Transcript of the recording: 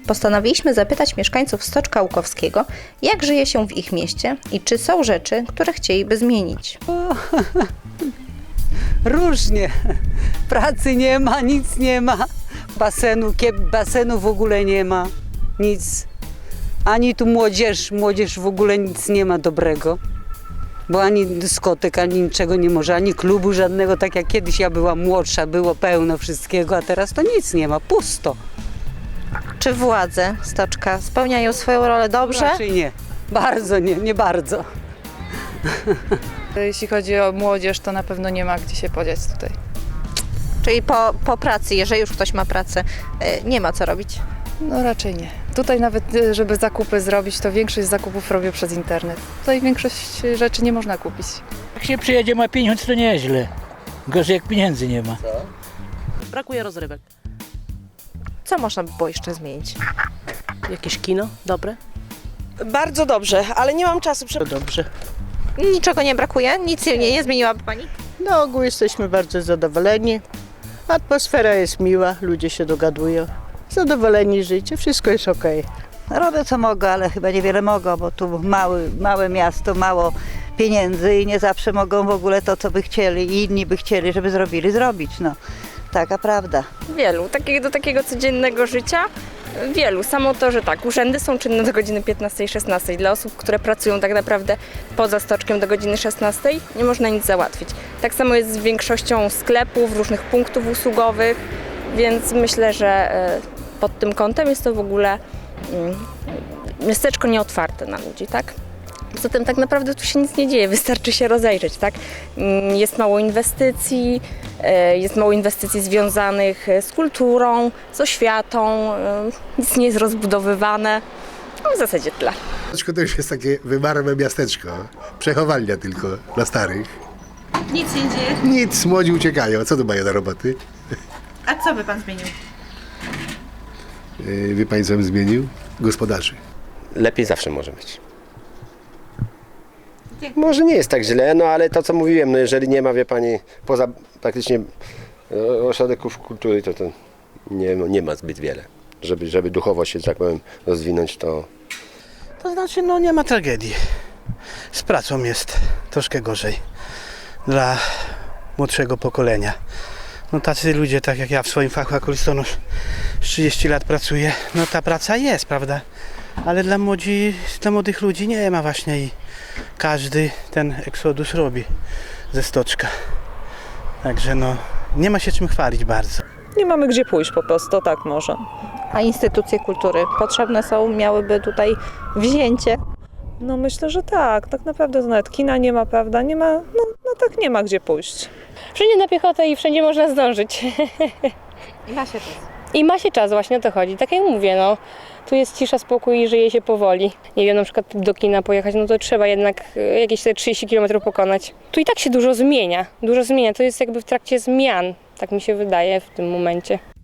Postanowiliśmy zapytać mieszkańców Stoczka Łukowskiego, jak żyje się w ich mieście i czy są rzeczy, które chcieliby zmienić. Różnie. Pracy nie ma, nic nie ma. Basenu w ogóle nie ma. Nic. Ani tu młodzież w ogóle nic nie ma dobrego. Bo ani dyskotek, ani niczego nie może, ani klubu żadnego, tak jak kiedyś ja byłam młodsza, było pełno wszystkiego, a teraz to nic nie ma, pusto. Czy władze Stoczka spełniają swoją rolę dobrze? Raczej nie. Bardzo nie bardzo. Jeśli chodzi o młodzież, to na pewno nie ma gdzie się podziać tutaj. Czyli po pracy, jeżeli już ktoś ma pracę, nie ma co robić? No raczej nie. Tutaj nawet, żeby zakupy zrobić, to większość zakupów robię przez internet. Tutaj większość rzeczy nie można kupić. Jak się przyjedzie, ma pieniądz, to nieźle. Gorzej jak pieniędzy nie ma. Brakuje rozrywek. Co można by było jeszcze zmienić? Jakieś kino dobre? Bardzo dobrze, ale nie mam czasu. To dobrze. Niczego nie brakuje? Nic nie zmieniłaby Pani? Na ogół jesteśmy bardzo zadowoleni. Atmosfera jest miła, ludzie się dogadują. Zadowoleni życie, wszystko jest okej. Robią co mogą, ale chyba niewiele mogą, bo tu małe miasto, mało pieniędzy i nie zawsze mogą w ogóle to, co by chcieli i inni by chcieli, żeby zrobić. No, taka prawda. Wielu, do takiego codziennego życia, wielu. Samo to, że tak, urzędy są czynne do godziny 15-16. Dla osób, które pracują tak naprawdę poza Stoczkiem do godziny 16, nie można nic załatwić. Tak samo jest z większością sklepów, różnych punktów usługowych, więc myślę, że pod tym kątem jest to w ogóle miasteczko nieotwarte na ludzi, tak? Poza tym tak naprawdę tu się nic nie dzieje, wystarczy się rozejrzeć, tak? Jest mało inwestycji związanych z kulturą, z oświatą, nic nie jest rozbudowywane, no w zasadzie tyle. Stoczko to już jest takie wymarłe miasteczko, przechowalnia tylko dla starych. Nic nie dzieje. Nic, młodzi uciekają, co tu mają na roboty? A co by Pan zmienił? Wie Pani, co bym zmienił? Gospodarzy. Lepiej zawsze może być. Może nie jest tak źle, no ale to co mówiłem, no jeżeli nie ma, wie Pani, poza praktycznie ośrodków kultury, to nie ma zbyt wiele. Żeby duchowo się, że tak powiem, rozwinąć, to... To znaczy, no nie ma tragedii. Z pracą jest troszkę gorzej dla młodszego pokolenia. No tacy ludzie, tak jak ja w swoim fachu, jako listonosz 30 lat pracuję, no ta praca jest, prawda? Ale dla młodych ludzi nie ma właśnie i każdy ten eksodus robi ze Stoczka. Także no, nie ma się czym chwalić bardzo. Nie mamy gdzie pójść po prostu, tak może. A instytucje kultury potrzebne są, miałyby tutaj wzięcie? No myślę, że tak. Tak naprawdę to nawet kina nie ma, prawda? Nie ma, no tak nie ma gdzie pójść. Wszędzie na piechotę i wszędzie można zdążyć. I ma się czas. I ma się czas, właśnie o to chodzi. Tak jak mówię, no, tu jest cisza, spokój i żyje się powoli. Nie wiem, na przykład do kina pojechać, no to trzeba jednak jakieś te 30 km pokonać. Tu i tak się dużo zmienia, to jest jakby w trakcie zmian, tak mi się wydaje w tym momencie.